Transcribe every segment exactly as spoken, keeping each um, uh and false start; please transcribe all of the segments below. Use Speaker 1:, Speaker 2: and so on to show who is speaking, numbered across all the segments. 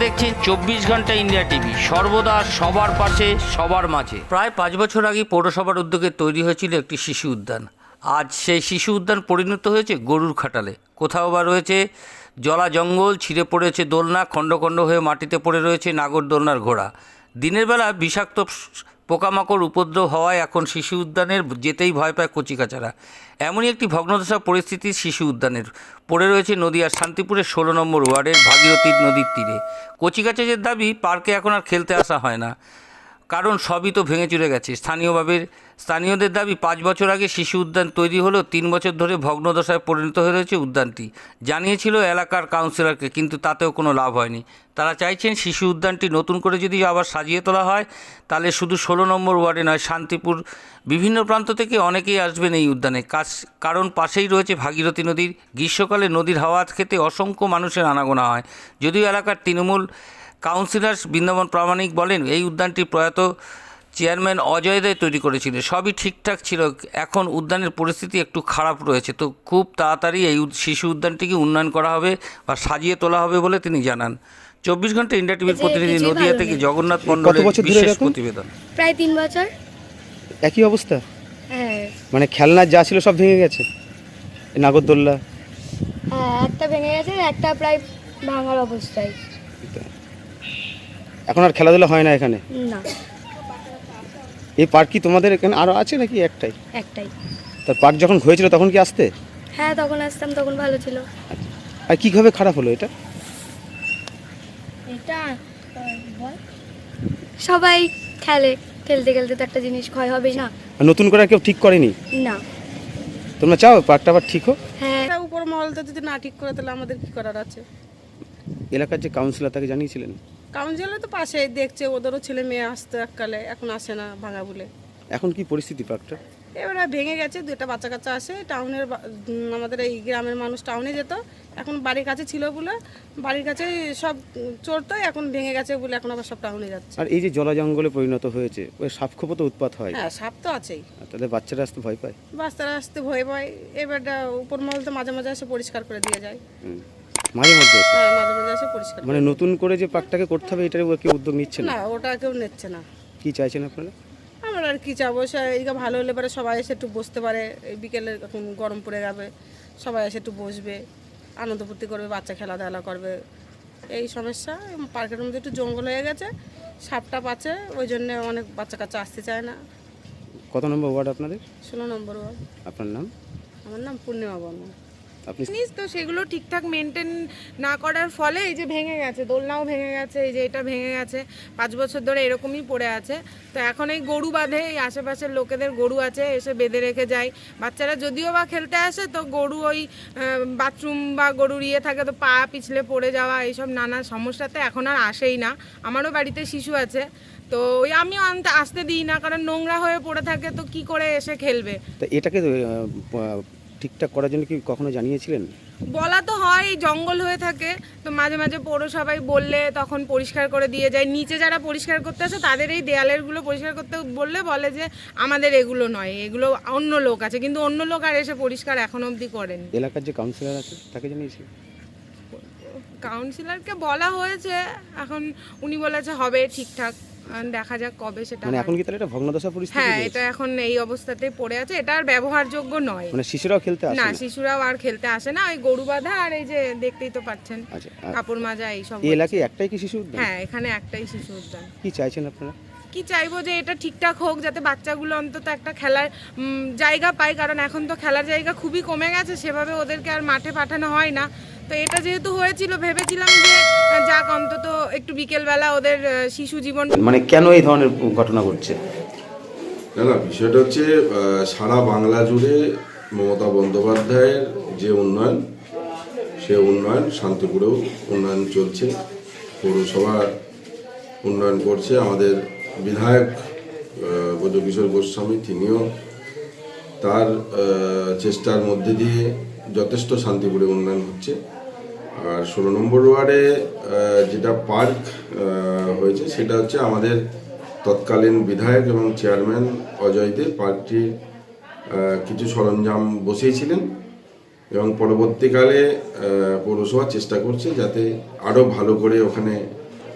Speaker 1: দেখছেন চব্বিশ ঘন্টা ইন্ডিয়া টিভি, সর্বদা সবার পাশে সবার মাঝে। প্রায় পাঁচ বছর আগে পৌরসভার উদ্যোগে তৈরি হয়েছিল একটি শিশু উদ্যান। আজ সেই শিশু উদ্যান পরিণত হয়েছে গরুর খাটালে। কোথাও বা রয়েছে জলা জঙ্গল, ছিঁড়ে পড়েছে দোলনা, খণ্ড খণ্ড হয়ে মাটিতে পড়ে রয়েছে নাগর দোলনার ঘোড়া। দিনের বেলা বিষাক্ত পোকামাকড় উপদ্রব হওয়ায় এখন শিশু উদ্যানের যেতেই ভয় পায় কচিকাচারা। এমনই একটি ভগ্নদশা পরিস্থিতি শিশু উদ্যানের। পড়ে রয়েছে নদিয়ার শান্তিপুরের ষোলো নম্বর ওয়ার্ডের ভাগীরথী নদীর তীরে। কচিকাচাদের দাবি পার্কে এখন আর খেলতে আসা হয় না, কারণ সবই তো ভেঙে চুরে গেছে। স্থানীয়ভাবে স্থানীয়দের দাবি পাঁচ বছর আগে শিশু উদ্যান তৈরি হলেও তিন বছর ধরে ভগ্নদশায় পরিণত হয়ে রয়েছে উদ্যানটি। জানিয়েছিল এলাকার কাউন্সিলরকে, কিন্তু তাতেও কোনো লাভ হয়নি। তারা চাইছেন শিশু উদ্যানটি নতুন করে যদি আবার সাজিয়ে তোলা হয়, তাহলে শুধু ষোলো নম্বর ওয়ার্ডে নয়, শান্তিপুর বিভিন্ন প্রান্ত থেকে অনেকেই আসবেন এই উদ্যানে। কাজ কারণ পাশেই রয়েছে ভাগীরথী নদীর। গ্রীষ্মকালে নদীর হাওয়া খেতে অসংখ্য মানুষের আনাগোনা হয়। যদিও এলাকার তৃণমূল কাউন্সিলর বৃন্দাবন প্রামাণিক বলেন, এই উদ্যানটি প্রয়াত চেয়ারম্যান অজয় দে তৈরি করেছিল, সবই ঠিকঠাক ছিল। এখন উদ্যানের পরিস্থিতি একটু খারাপ রয়েছে, তো খুব তাড়াতাড়ি এই শিশু উদ্যানটিকে উন্নয়ন করা হবে বা সাজিয়ে তোলা হবে বলে তিনি জানান। চব্বিশ ঘন্টা ইন্ডিয়া টিভির প্রতিনিধি নদিয়া থেকে জগন্নাথ মণ্ডলের বিশেষ প্রতিবেদন।
Speaker 2: প্রায় তিন বছর
Speaker 3: একই অবস্থা।
Speaker 2: হ্যাঁ,
Speaker 3: মানে খেলনা যা ছিল সব ভেঙে গেছে, নাগরদোল্লা।
Speaker 2: হ্যাঁ, একটা ভেঙে গেছে, একটা প্রায় ভাঙার অবস্থায়।
Speaker 3: এখন আর খেলাধুলা হয় না এখানে?
Speaker 2: না,
Speaker 3: এই পার্ক কি তোমাদের এখানে আরো আছে নাকি একটাই?
Speaker 2: একটাই।
Speaker 3: তার পার্ক যখন হয়েছিল তখন কি আসতে?
Speaker 2: হ্যাঁ, তখন আসতাম, তখন ভালো ছিল।
Speaker 3: আর কিভাবে খারাপ হলো এটা?
Speaker 2: এটা সবাই খেলে, খেলতে খেলতে তো একটা জিনিস ক্ষয় হবেই না।
Speaker 3: আর নতুন করে আর কেউ ঠিক করেনি?
Speaker 2: না।
Speaker 3: তোমরা চাও পার্কটা আবার ঠিক হোক?
Speaker 2: হ্যাঁ,
Speaker 4: উপর মহলটা যদি না ঠিক করে তাহলে আমাদের কি করার আছে?
Speaker 3: এলাকার যে কাউন্সিলর তাকে জানিয়েছিলেন?
Speaker 4: কাউন্সিলর তো পাশেই দেখছে, ওদেরও ছেলে মেয়ে আসতো এককালে, এখন আসে না ভাঙা বলে।
Speaker 3: এখন কি পরিস্থিতি পার্কটা?
Speaker 4: এবারে ভেঙে গেছে, দুইটা বাচ্চা কাচ্চা আসে টাউনের, আমাদের এই গ্রামের মানুষ টাউনে যেত, এখন বাড়ির কাছে ছিল বলে বাড়ির কাছে সব চড়তো, এখন ভেঙে গেছে বলে এখন আবার সব টাউনে যাচ্ছে।
Speaker 3: আর এই যে জলা জঙ্গলে পরিণত হয়েছে, ওই সাপ খোপও তো উৎপাত হয়।
Speaker 4: হ্যাঁ, সাপ তো আছেই।
Speaker 3: আর তাদের বাচ্চারা আসতে ভয় পায়?
Speaker 4: বাচ্চারা আসতে ভয় পায়। এবারটা উপর মহল তো মাঝে মাঝে এসে পরিষ্কার করে দিয়ে যায়।
Speaker 3: হুম। মাঝে মধ্যে এসে?
Speaker 4: হ্যাঁ, মাঝে মাঝে এসে পরিষ্কার।
Speaker 3: মানে নতুন করে যে পার্কটাকে করতে হবে এটার কেউ উদ্যোগ নিচ্ছে না?
Speaker 4: না, ওটা কেউ নিচ্ছে না।
Speaker 3: কি চাইছেন আপনারা?
Speaker 4: আমরা আর কি চাবো, এইটা ভালো হলে পরে সবাই এসে একটু বসতে পারে। এই বিকেলে এখন গরম পড়ে যাবে, সবাই এসে একটু বসবে, আনন্দ ফুর্তি করবে, বাচ্চা খেলাধুলা করবে। এই সমস্যা, পার্কের মধ্যে একটু জঙ্গল হয়ে গেছে, সাপটা পাচ্ছে, ওই জন্য অনেক বাচ্চা কাচ্চা আসতে চায় না।
Speaker 3: কত নম্বর ওয়ার্ড আপনাদের?
Speaker 4: ষোলো নম্বর ওয়ার্ড।
Speaker 3: আপনার নাম?
Speaker 4: আমার নাম পূর্ণিমা বর্মন।
Speaker 3: আপনি?
Speaker 5: জিনিস তো সেগুলো ঠিকঠাক মেনটেন না করার ফলে এই যে ভেঙে গেছে, দোলনাও ভেঙে গেছে, এই যে এটা ভেঙে গেছে, পাঁচ বছর ধরে এরকমই পড়ে আছে। তো এখন এই গরু বাঁধে, এই আশেপাশের লোকেদের গরু আছে, এসে বেঁধে রেখে যায়। বাচ্চারা যদিও বা খেলতে আসে, তো গরু ওই বাথরুম বা গরুর ইয়ে থাকে, তো পা পিছলে পড়ে যাওয়া, এইসব নানা সমস্যাতে এখন আর আসেই না। আমারও বাড়িতে শিশু আছে, তো ওই আমিও আনতে আসতে দিই না, কারণ নোংরা হয়ে পড়ে থাকে, তো কি করে এসে খেলবে।
Speaker 3: তা এটাকে ঠিকঠাক করার জন্য কি কখনো জানিয়েছিলেন?
Speaker 5: বলা তো হয়, জঙ্গল হয়ে থাকে, তো মাঝে মাঝে পৌরসভায় বললে তখন পরিষ্কার করে দিয়ে যায়। নিচে যারা পরিষ্কার করতে আসে তাদের এই দেয়ালেরগুলো পরিষ্কার করতে বললে বলে যে আমাদের এগুলো নয়, এগুলো অন্য লোক আছে, কিন্তু অন্য লোক আর এসে পরিষ্কার এখন অবধি করেন।
Speaker 3: এলাকার যে কাউন্সিলর আছে তাকে জানিয়েছি?
Speaker 5: কাউন্সিলরকে বলা হয়েছে, এখন উনি বলেছে হবে ঠিকঠাক, দেখা যাক কবে সেটা।
Speaker 3: মানে এখন কি তাহলে এটা ভগ্নদশা পরিস্থিতি?
Speaker 5: হ্যাঁ, এটা এখন এই অবস্থাতেই পড়ে আছে, এটা আর ব্যবহারযোগ্য নয়।
Speaker 3: মানে শিশুরাও খেলতে আসে
Speaker 5: না,
Speaker 3: না?
Speaker 5: শিশুরাও আর খেলতে আসে না, ওই গরু বাঁধা আর এই যে দেখতেই তো পাচ্ছেন
Speaker 3: আচ্ছা,
Speaker 5: কাপড় মাজা এইসব।
Speaker 3: এই এলাকায় একটাই কি শিশু উদ্যান?
Speaker 5: হ্যাঁ, এখানে একটাই শিশু উদ্যান।
Speaker 3: কি চাইছেন আপনারা?
Speaker 5: কি চাইবো যে এটা ঠিকঠাক হোক, যাতে বাচ্চাগুলো অন্তত একটা খেলার উম, জায়গা পায়, কারণ এখন তো খেলার জায়গা খুবই কমে গেছে, সেভাবে ওদেরকে আর মাঠে পাঠানো হয় না। তো এটা যেহেতু হয়েছিল, ভেবেছিলাম যে যাক অন্তত একটু বিকেলবেলা ওদের আহ, শিশু জীবন।
Speaker 3: মানে কেন এই ধরনের ঘটনা ঘটছে?
Speaker 6: না না, বিষয়টা হচ্ছে সারা বাংলা জুড়ে মমতা বন্দ্যোপাধ্যায়ের যে উন্নয়ন, সে উন্নয়ন শান্তিপুরেও উন্নয়ন চলছে। পৌরসভা উন্নয়ন করছে, আমাদের বিধায়ক ব্রজকিশোর গোস্বামী তিনিও তার চেষ্টার মধ্যে দিয়ে যথেষ্ট শান্তিপুরে উন্নয়ন হচ্ছে। আর ষোলো নম্বর ওয়ার্ডে যেটা পার্ক হয়েছে সেটা হচ্ছে আমাদের তৎকালীন বিধায়ক এবং চেয়ারম্যান অজয় দে পার্কটি কিছু সরঞ্জাম বসিয়েছিলেন এবং পরবর্তীকালে পৌরসভা চেষ্টা করছে যাতে আরও ভালো করে ওখানে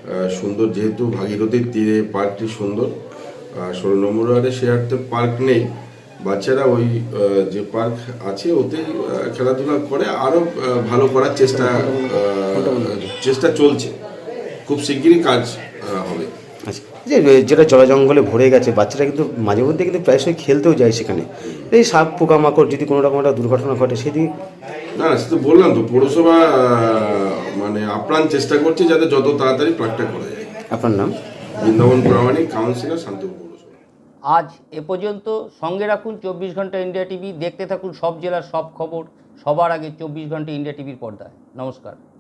Speaker 6: সুন্দর, যেহেতু ভাগীরথীর তীরে পার্কটি সুন্দর। ষোলো নম্বর ওয়ার্ডে শেয়ারতে পার্ক নেই, বাচ্চারা ওই আহ, যে পার্ক আছে ওতেই আহ, খেলাধুলা করে, আরও ভালো করার চেষ্টা আহ, চেষ্টা চলছে। খুব শিগগিরই কাজ আহ, হবে।
Speaker 3: আচ্ছা, যে যেটা জলা জঙ্গলে ভরে গেছে, বাচ্চারা কিন্তু মাঝে মধ্যে কিন্তু প্রায়শই খেলতেও যায় সেখানে, এই সাপ পোকামাকড় যদি কোনো রকম একটা দুর্ঘটনা ঘটে সেদিকে।
Speaker 6: না না, সে তো বললাম তো, পৌরসভা আহ, মানে আপ্রাণ চেষ্টা করছে যাতে যত তাড়াতাড়ি প্রাকটা করা যায়।
Speaker 3: আপনার নাম?
Speaker 6: বৃন্দাবন প্রামাণিক, কাউন্সিলর, শান্তিপুর পৌরসভা।
Speaker 1: আজ এ পর্যন্ত। সঙ্গে রাখুন চব্বিশ ঘন্টা ইন্ডিয়া টিভি, দেখতে থাকুন সব জেলার সব খবর সবার আগে চব্বিশ ঘন্টা ইন্ডিয়া টিভির পর্দায়। নমস্কার।